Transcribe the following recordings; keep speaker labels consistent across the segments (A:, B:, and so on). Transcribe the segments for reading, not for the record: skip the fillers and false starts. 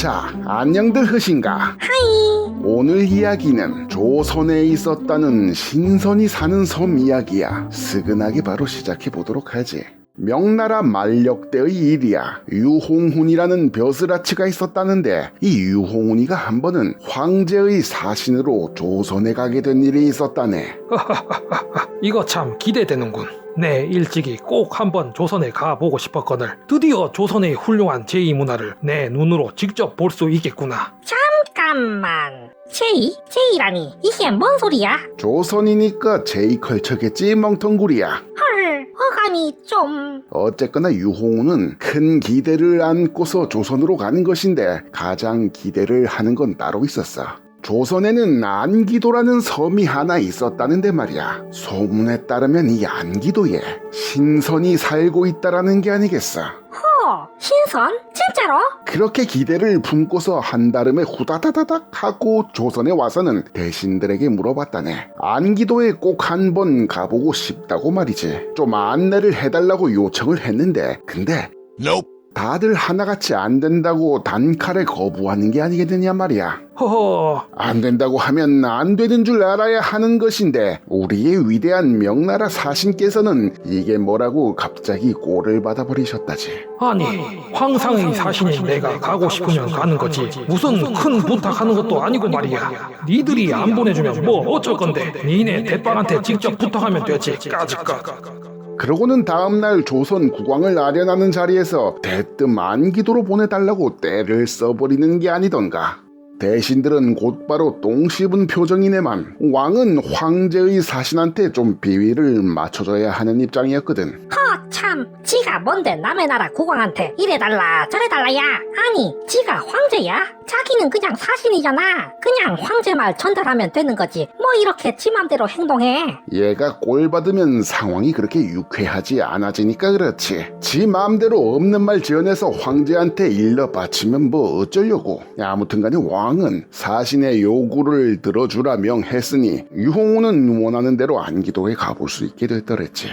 A: 자, 안녕들 하신가?
B: 하이.
A: 오늘 이야기는 조선에 있었다는 신선이 사는 섬 이야기야. 스근하게 바로 시작해보도록 하지. 명나라 만력대의 일이야. 유홍훈이라는 벼슬아치가 있었다는데 이 유홍훈이가 한 번은 황제의 사신으로 조선에 가게 된 일이 있었다네.
C: 이거 참 기대되는군. 네, 일찍이 꼭 한번 조선에 가보고 싶었거늘 드디어 조선의 훌륭한 제2문화를 내 눈으로 직접 볼 수 있겠구나.
B: 잠깐만. 제이? 제이라니 이게 뭔 소리야?
A: 조선이니까 제이컬처겠지 멍텅구리야.
B: 헐, 어감이 좀...
A: 어쨌거나 유홍훈은 큰 기대를 안고서 조선으로 가는 것인데 가장 기대를 하는 건 따로 있었어. 조선에는 안기도라는 섬이 하나 있었다는데 말이야. 소문에 따르면 이 안기도에 신선이 살고 있다라는 게 아니겠어.
B: 허, 신선? 진짜로?
A: 그렇게 기대를 품고서 한달음에 후다다다닥 하고 조선에 와서는 대신들에게 물어봤다네. 안기도에 꼭 한번 가보고 싶다고 말이지. 좀 안내를 해달라고 요청을 했는데 근데 다들 하나같이 안 된다고 단칼에 거부하는 게 아니겠느냐 말이야.
C: 허허,
A: 안 된다고 하면 안 되는 줄 알아야 하는 것인데 우리의 위대한 명나라 사신께서는 이게 뭐라고 갑자기 꼴을 받아버리셨다지.
C: 아니 황상의 사신인 내가 가고 싶으면 가는 거지 무슨 큰 부탁하는 것도 아니고 말이야. 니들이 안 보내주면 뭐 어쩔 건데 니네 대빵한테 직접 부탁하면 되지. 까짓까.
A: 그러고는 다음날 조선 국왕을 아련하는 자리에서 대뜸 안기도로 보내달라고 떼를 써버리는 게 아니던가. 대신들은 곧바로 똥 씹은 표정이네만 왕은 황제의 사신한테 좀 비위를 맞춰줘야 하는 입장이었거든.
B: 허, 참. 지가 뭔데 남의 나라 국왕한테 이래달라 저래달라야. 아니, 지가 황제야? 자기는 그냥 사신이잖아. 그냥 황제 말 전달하면 되는 거지. 뭐 이렇게 지 맘대로 행동해.
A: 얘가 꼴 받으면 상황이 그렇게 유쾌하지 않아지니까 그렇지. 지 마음대로 없는 말 지어내서 황제한테 일러 바치면 뭐 어쩌려고. 아무튼간에 왕은 사신의 요구를 들어주라 명했으니 유홍우는 원하는 대로 안기도에 가볼 수 있게 됐더랬지.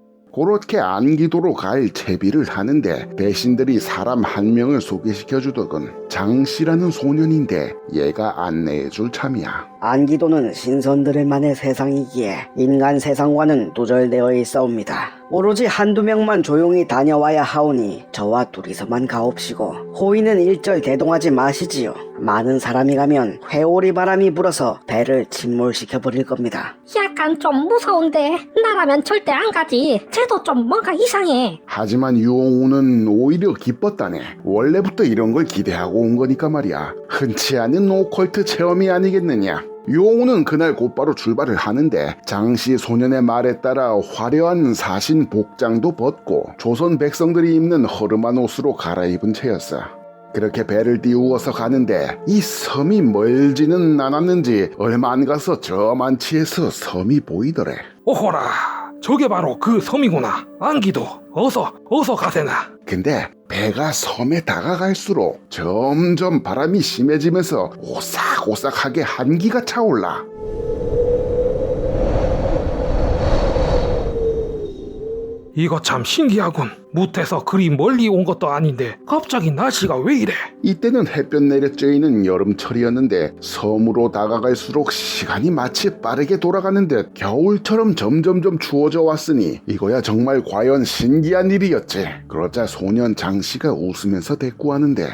A: 그렇게 안기도로 갈 채비를 하는데 대신들이 사람 한 명을 소개시켜주더군. 장씨라는 소년인데 얘가 안내해줄 참이야.
D: 안기도는 신선들만의 세상이기에 인간 세상과는 두절되어 있사옵니다. 오로지 한두 명만 조용히 다녀와야 하오니 저와 둘이서만 가옵시고 호의는 일절 대동하지 마시지요. 많은 사람이 가면 회오리 바람이 불어서 배를 침몰시켜버릴 겁니다.
B: 약간 좀 무서운데 나라면 절대 안 가지. 쟤도 좀 뭔가 이상해.
A: 하지만 유홍우는 오히려 기뻤다네. 원래부터 이런 걸 기대하고 온 거니까 말이야. 흔치 않은 오컬트 체험이 아니겠느냐. 유홍우는 그날 곧바로 출발을 하는데 장씨 소년의 말에 따라 화려한 사신 복장도 벗고 조선 백성들이 입는 허름한 옷으로 갈아입은 채였어. 그렇게 배를 띄우어서 가는데 이 섬이 멀지는 않았는지 얼마 안 가서 저 만치에서 섬이 보이더래.
C: 오호라, 저게 바로 그 섬이구나. 안기도 어서 가세나.
A: 근데 배가 섬에 다가갈수록 점점 바람이 심해지면서 오싹오싹하게 한기가 차올라.
C: 이거 참 신기하군. 무태서 그리 멀리 온 것도 아닌데 갑자기 날씨가 왜 이래?
A: 이때는 햇볕 내려쬐이는 여름철이었는데 섬으로 다가갈수록 시간이 마치 빠르게 돌아가는 듯 겨울처럼 점점점 추워져 왔으니 이거야 정말 과연 신기한 일이었지. 그러자 소년 장씨가 웃으면서 대꾸하는데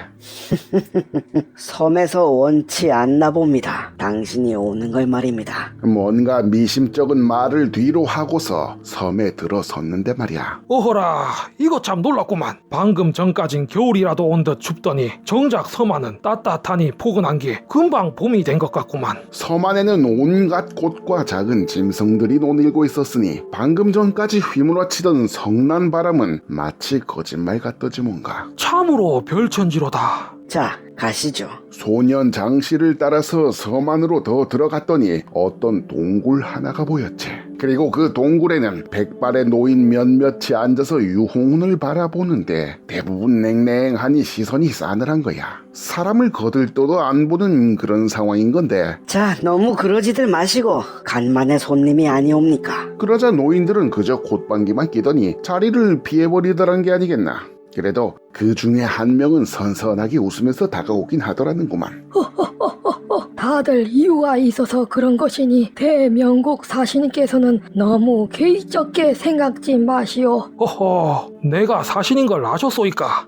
D: 섬에서 원치 않나 봅니다. 당신이 오는 걸 말입니다.
A: 뭔가 미심쩍은 말을 뒤로 하고서 섬에 들어섰는데 말이야.
C: 오호라, 이거 참 놀랍구만. 방금 전까진 겨울이라도 온 듯 춥더니 정작 섬 안은 따뜻하니 포근한 게 금방 봄이 된 것 같구만.
A: 섬 안에는 온갖 꽃과 작은 짐승들이 논일고 있었으니 방금 전까지 휘몰아치던 성난 바람은 마치 거짓말 같더지 뭔가.
C: 참으로 별천지로다.
D: 자, 가시죠.
A: 소년 장씨를 따라서 섬 안으로 더 들어갔더니 어떤 동굴 하나가 보였지. 그리고 그 동굴에는 백발의 노인 몇몇이 앉아서 유홍운을 바라보는데 대부분 냉랭하니 시선이 싸늘한 거야. 사람을 거들떠도 안 보는 그런 상황인 건데.
D: 자, 너무 그러지들 마시고 간만에 손님이 아니옵니까?
A: 그러자 노인들은 그저 콧방귀만 끼더니 자리를 피해버리더란 게 아니겠나. 그래도 그 중에 한 명은 선선하게 웃으면서 다가오긴 하더라는구만.
E: 다들 이유가 있어서 그런 것이니 대명국 사신께서는 너무 개의적게 생각지 마시오.
C: 허허, 내가 사신인 걸 아셨소이까?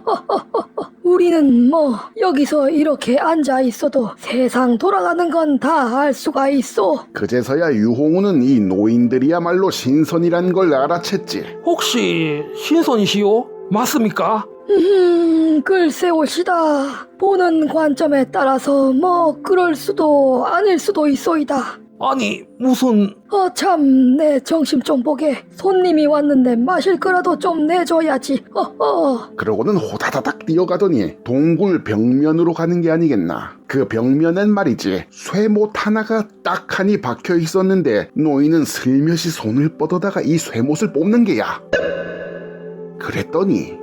E: 우리는 뭐 여기서 이렇게 앉아 있어도 세상 돌아가는 건 다 알 수가 있어.
A: 그제서야 유홍우는 이 노인들이야말로 신선이란 걸 알아챘지.
C: 혹시 신선이시오? 맞습니까?
E: 글쎄올시다. 보는 관점에 따라서 뭐 그럴 수도 아닐 수도 있소이다.
C: 아니, 무슨...
E: 참, 내 정신 좀 보게. 손님이 왔는데 마실 거라도 좀 내줘야지.
A: 그러고는 호다다닥 뛰어가더니 동굴 벽면으로 가는 게 아니겠나. 그 벽면엔 말이지 쇠못 하나가 딱하니 박혀 있었는데 노인은 슬며시 손을 뻗어다가 이 쇠못을 뽑는 게야. 그랬더니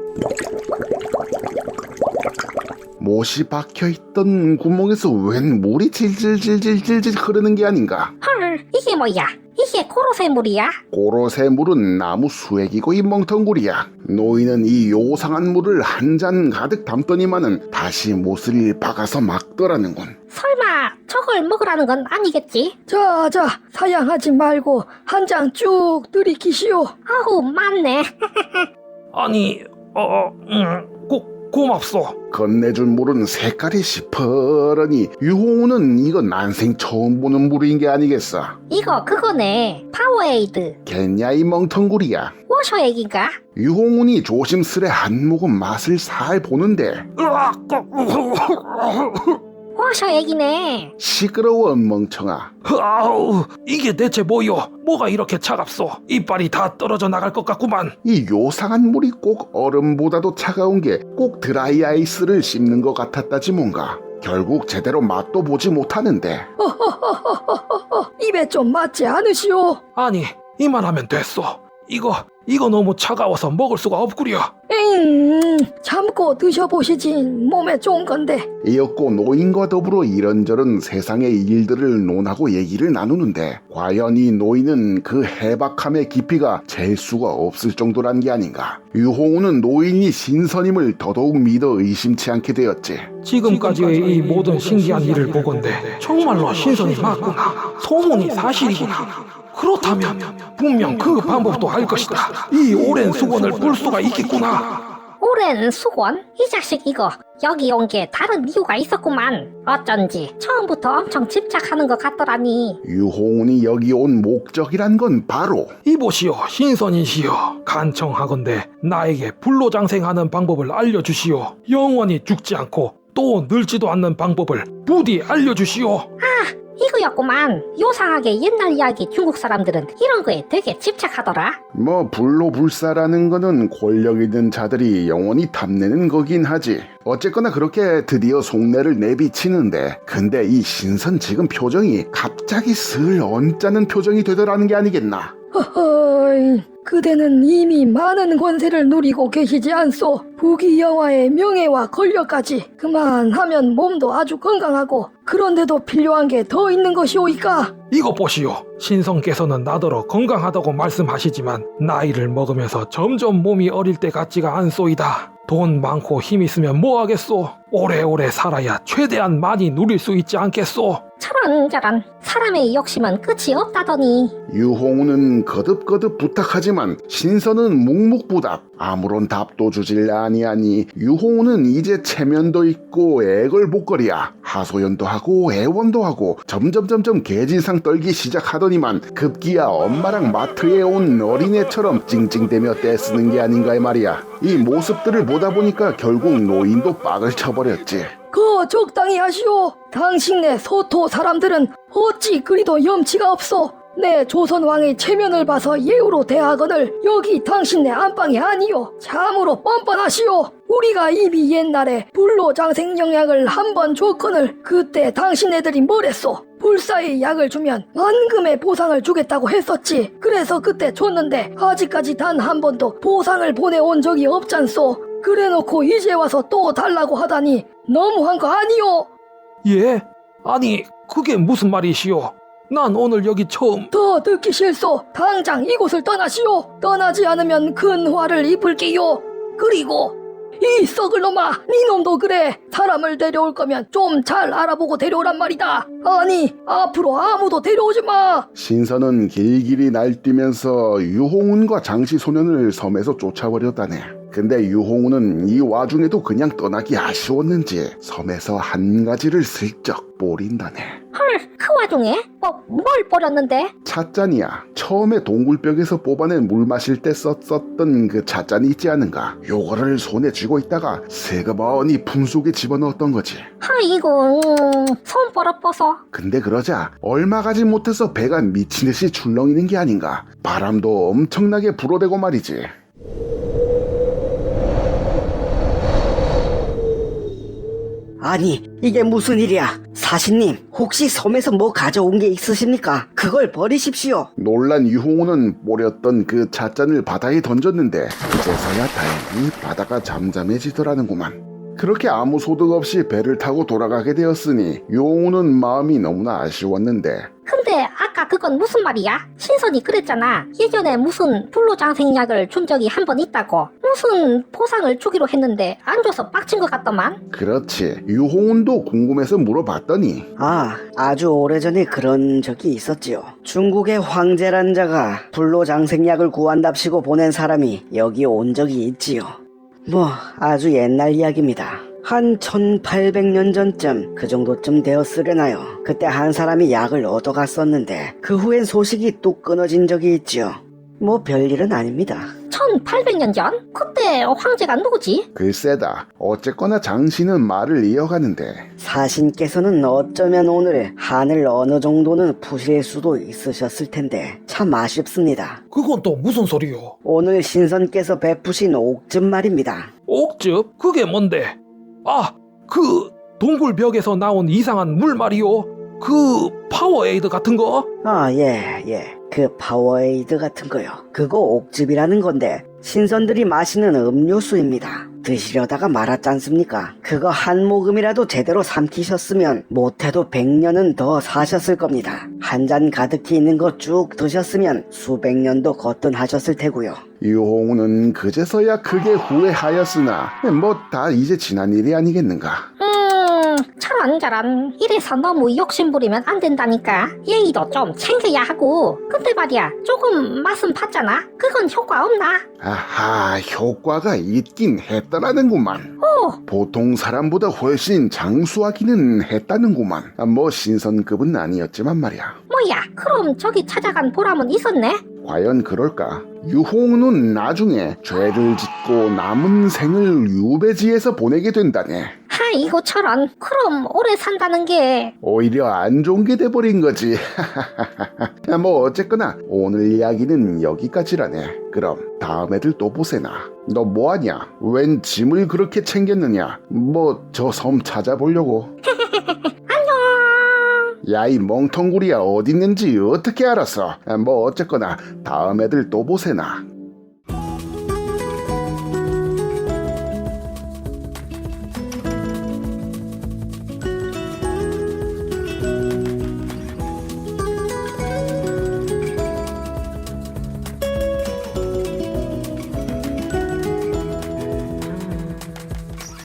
A: 못이 박혀있던 구멍에서 웬 물이 질질질질질질 흐르는 게 아닌가.
B: 헐, 이게 뭐야? 이게 코로쇠물이야?
A: 고로쇠 물은 나무 수액이고 이 멍텅구리야. 노인은 이 요상한 물을 한 잔 가득 담더니만은 다시 못을 박아서 막더라는군.
B: 설마 저걸 먹으라는 건 아니겠지?
E: 자, 사양하지 말고 한 장 쭉 들이키시오.
B: 아우, 맞네.
C: 아니, 고맙소.
A: 건네준 물은 색깔이 시퍼러니 유홍우는 이거 난생 처음 보는 물인 게 아니겠어.
B: 이거 그거네. 파워에이드.
A: 겠냐 이 멍텅구리야.
B: 워셔액인가?
A: 유홍운이 조심스레 한 모금 맛을 살 보는데
B: 워셔액이네.
A: 시끄러워 멍청아.
C: 아우, 이게 대체 뭐요? 뭐가 이렇게 차갑소? 이빨이 다 떨어져 나갈 것 같구만.
A: 이 요상한 물이 꼭 얼음보다도 차가운 게 꼭 드라이 아이스를 씹는 것 같았다지 뭔가. 결국 제대로 맛도 보지 못하는데.
E: 입에 좀 맞지 않으시오?
C: 아니, 이만하면 됐소. 이거 너무 차가워서 먹을 수가 없구려.
E: 참고 드셔보시지. 몸에 좋은 건데.
A: 이었고 노인과 더불어 이런저런 세상의 일들을 논하고 얘기를 나누는데 과연 이 노인은 그 해박함의 깊이가 잴 수가 없을 정도란 게 아닌가. 유홍우는 노인이 신선임을 더더욱 믿어 의심치 않게 되었지.
C: 지금까지의 이 모든 신기한 일을 보건대 정말로 신선이 맞구나. 소문이 사실이구나. 그렇다면 분명 그 방법도 알 것이다. 이 오랜 수건을 볼 수가 있겠구나.
B: 오랜 수건? 이 자식 이거 여기 온 게 다른 이유가 있었구만. 어쩐지 처음부터 엄청 집착하는 것 같더라니.
A: 유홍운이 여기 온 목적이란 건 바로
C: 이보시오, 신선이시여. 간청하건대 나에게 불로장생하는 방법을 알려주시오. 영원히 죽지 않고 또 늙지도 않는 방법을 부디 알려주시오.
B: 이거였구만. 요상하게 옛날 이야기 중국 사람들은 이런 거에 되게 집착하더라.
A: 뭐 불로불사라는 거는 권력 있는 자들이 영원히 탐내는 거긴 하지. 어쨌거나 그렇게 드디어 속내를 내비치는데 근데 이 신선 지금 표정이 갑자기 슬 언짢은 표정이 되더라는 게 아니겠나.
E: 허허이, 그대는 이미 많은 권세를 누리고 계시지 않소. 부귀영화의 명예와 권력까지 그만하면 몸도 아주 건강하고 그런데도 필요한 게 더 있는 것이오이까.
C: 이것 보시오. 신성께서는 나더러 건강하다고 말씀하시지만 나이를 먹으면서 점점 몸이 어릴 때 같지가 않소이다. 돈 많고 힘 있으면 뭐 하겠소? 오래오래 살아야 최대한 많이 누릴 수 있지 않겠소?
B: 저런 사람의 욕심은 끝이 없다더니.
A: 유홍우는 거듭거듭 부탁하지만 신선은 묵묵부답. 아무런 답도 주질 아니하니 유홍우는 이제 체면도 있고 애걸복걸이야. 하소연도 하고 애원도 하고 점점점점 개진상 떨기 시작하더니만 급기야 엄마랑 마트에 온 어린애처럼 찡찡대며 떼쓰는 게 아닌가 이 말이야. 이 모습들을 보다 보니까 결국 노인도 빡을 쳐버렸지.
E: 적당히 하시오. 당신네 소토 사람들은 어찌 그리도 염치가 없소. 내 조선왕의 체면을 봐서 예우로 대하거늘 여기 당신네 안방이 아니오. 참으로 뻔뻔하시오. 우리가 이미 옛날에 불로장생 영약을 한 번 줬거늘 그때 당신네들이 뭐랬소? 불사의 약을 주면 만금의 보상을 주겠다고 했었지. 그래서 그때 줬는데 아직까지 단 한 번도 보상을 보내온 적이 없잖소. 그래놓고 이제 와서 또 달라고 하다니 너무한 거 아니오?
C: 예? 아니, 그게 무슨 말이시오? 난 오늘 여기 처음...
E: 더 듣기 싫소. 당장 이곳을 떠나시오. 떠나지 않으면 큰 화를 입을게요. 그리고 이 썩을 놈아, 네 놈도 그래. 사람을 데려올 거면 좀 잘 알아보고 데려오란 말이다. 아니, 앞으로 아무도 데려오지 마.
A: 신선은 길길이 날뛰면서 유홍운과 장씨 소년을 섬에서 쫓아버렸다네. 근데 유홍운은 이 와중에도 그냥 떠나기 아쉬웠는지 섬에서 한 가지를 슬쩍 뿌린다네.
B: 헐, 그 와중에 뭘 버렸는데?
A: 찻잔이야. 처음에 동굴벽에서 뽑아낸 물 마실 때 썼었던 그 찻잔이 있지 않은가. 요거를 손에 쥐고 있다가 세그머니 품속에 집어넣었던 거지.
B: 아이고, 손 벌어버서.
A: 근데 그러자 얼마 가지 못해서 배가 미친듯이 출렁이는 게 아닌가. 바람도 엄청나게 불어대고 말이지.
D: 아니, 이게 무슨 일이야? 사신님, 혹시 섬에서 뭐 가져온 게 있으십니까? 그걸 버리십시오.
A: 놀란 유홍우는 뿌렸던 그 찻잔을 바다에 던졌는데 그제서야 다행히 바다가 잠잠해지더라는구만. 그렇게 아무 소득 없이 배를 타고 돌아가게 되었으니 유홍우는 마음이 너무나 아쉬웠는데
B: 근데 아까 그건 무슨 말이야? 신선이 그랬잖아. 예전에 무슨 불로장생약을 준 적이 한 번 있다고. 무슨 보상을 주기로 했는데 안 줘서 빡친 것 같더만.
A: 그렇지. 유홍운도 궁금해서 물어봤더니
D: 아주 오래전에 그런 적이 있었지요. 중국의 황제란 자가 불로장생약을 구한답시고 보낸 사람이 여기 온 적이 있지요. 뭐 아주 옛날 이야기입니다. 한 1800년 전쯤 그 정도쯤 되었으려나요. 그때 한 사람이 약을 얻어갔었는데 그 후엔 소식이 뚝 끊어진 적이 있지요. 뭐 별일은 아닙니다.
B: 1800년 전? 그때 황제가 누구지?
A: 글쎄다. 어쨌거나 장씨는 말을 이어가는데
D: 사신께서는 어쩌면 오늘 한을 어느 정도는 푸실 수도 있으셨을 텐데 참 아쉽습니다.
C: 그건 또 무슨 소리요?
D: 오늘 신선께서 베푸신 옥즙 말입니다.
C: 옥즙? 그게 뭔데? 아, 그 동굴벽에서 나온 이상한 물 말이요? 그 파워에이드 같은 거?
D: 예. 그 파워에이드 같은 거요. 그거 옥즙이라는 건데 신선들이 마시는 음료수입니다. 드시려다가 말았지 않습니까? 그거 한 모금이라도 제대로 삼키셨으면 못해도 100년은 더 사셨을 겁니다. 한 잔 가득히 있는 거 쭉 드셨으면 수백 년도 거뜬하셨을 테고요.
A: 유홍우는 그제서야 크게 후회하였으나 뭐 다 이제 지난 일이 아니겠는가.
B: 저런 이래서 너무 욕심부리면 안 된다니까. 예의도 좀 챙겨야 하고. 근데 말이야, 조금 맛은 봤잖아. 그건 효과 없나?
A: 아하, 효과가 있긴 했다라는구만. 보통 사람보다 훨씬 장수하기는 했다는구만. 뭐 신선급은 아니었지만 말이야.
B: 뭐야, 그럼 저기 찾아간 보람은 있었네?
A: 과연 그럴까? 유홍우는 나중에 죄를 짓고 남은 생을 유배지에서 보내게 된다네.
B: 아이고 저런, 그럼 오래 산다는 게.
A: 오히려 안 좋은 게 돼버린 거지. 뭐 어쨌거나 오늘 이야기는 여기까지라네. 그럼 다음 애들 또 보세나. 너 뭐하냐? 웬 짐을 그렇게 챙겼느냐? 뭐 저 섬 찾아보려고. 야, 이 멍텅구리야 어딨는지 어떻게 알았어? 뭐 어쨌거나 다음 애들 또 보세나.